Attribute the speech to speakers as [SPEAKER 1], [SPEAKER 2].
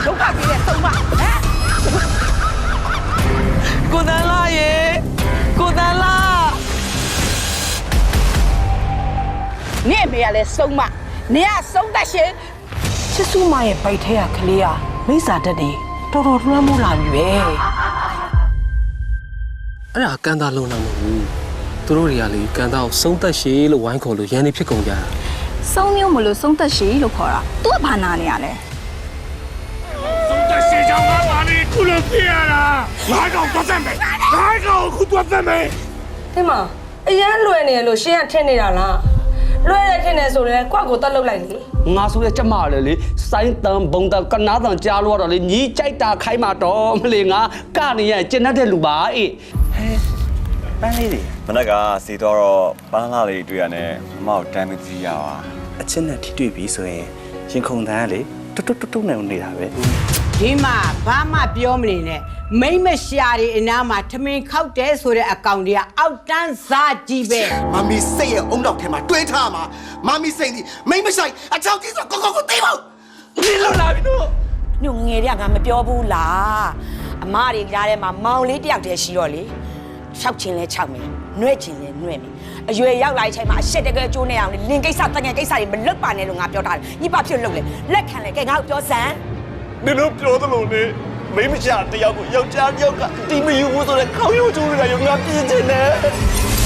[SPEAKER 1] ဒုက္ခပေးတဲ့ဆုံးမဟမ်ကိုတန်လာရေကိုတန်လာနေမေရလဲဆုံးမနေရဆုံးတတ်ရှင်ချစ်စုမရဲ့ဗိုက်ထဲကကလေးอ่ะမိစ္ဆာတက်တယ်တော်တော်လွှမ်းမိုးလာပြီပဲ
[SPEAKER 2] အဲ့ဒါကန်တာလုံးတော့မဟုတ်ဘူးသူတို့တွေကလေကန်တာကိုဆုံးသက်ရှည်လို့ဝိုင်းခေါ်လို့ရန်နေဖြစ်ကုန်ကြတာ
[SPEAKER 3] ဆုံးမျိုးမလို့ဆုံးသက်ရှည်လို့ခေါ်တာသူကဘာနာနေရလဲ
[SPEAKER 4] ဆုံးသက်ရှည်ကြောင့်ငါပါလေခုလိုဖြစ်ရတာငါကောင်သွားစမ်းမယ်ငါကောင်ခုသွားစမ်းမယ်
[SPEAKER 5] ဒီမှာအရန်လွယ်နေလို့ရှင်းရထင်နေတာလားလွယ်ရထင်နေဆိုရင်ကွက်ကိုတက်လုတ်လိုက်လေ
[SPEAKER 6] ငါဆိုရချက်မလေလေစိုင်းတန်ဘုံတန်ကနာတန်ကြားလို့တော့လေညီကြိုက်တာခိုင်းမှာတော့မလေငါကနေရကျင်တတ်တဲ့လူပါအေး
[SPEAKER 7] ပန်းလေးတွေမနက်ကစီတော့ပန်းလာလေးတွေ့ရနဲ့မမောက်တမ်းမကြည့်ရပါ
[SPEAKER 8] အချင်းနဲ့ထိတွေ့ပြီဆိုရင်ရင်ခုန်တန်းကလေတွတ်နဲ့နေတာပဲ
[SPEAKER 1] ဒီမှာဘာမှပြောမနေနဲ့မိမရှာတွေအနားမှာထမင်းခောက်တယ်ဆိုတဲ့အကောင်တွေကအောက်တန်းစားကြီးပဲ
[SPEAKER 9] မမီစိတ်ရဲ့အုံတော့ထဲမှာတွေးထားမှာမမီစိတ်ဒီမိမဆိုင်အချောက်ကြီးဆိုကိုသိပါ
[SPEAKER 4] ဒီလိုလာပြီတို့
[SPEAKER 10] ညငယ်တွေကငါမပြောဘူးလားအမတွေကြားထဲမှာမောင်လေးတယောက်တည်းရှိတော့လေ၆ချင်းလဲ၆မယ်နှွဲ့ချင်းလဲနှွဲ့မယ်အရွယ်ရောက်လာတဲ့အချိန်မှာအရှက်တကယ်ကျိုးနေအောင်လေလင်ကိစ္စတငယ်ကိစ္စတွေမလွတ်ပါနဲ့လို့ငါပြောထားတယ်ညပါဖြစ်လို့လေလက်ခံလေကဲငါ့ကိုပြောစမ်း
[SPEAKER 4] နင်တို့ပြောသလိုနဲ့မိမရှာတယောက်ကိုယောက်ျားတယောက်ကတီမယူဘူးဆိုတော့ခေါင်းရိုးကျိုးနေတာရောငါပြင်းချင်တယ်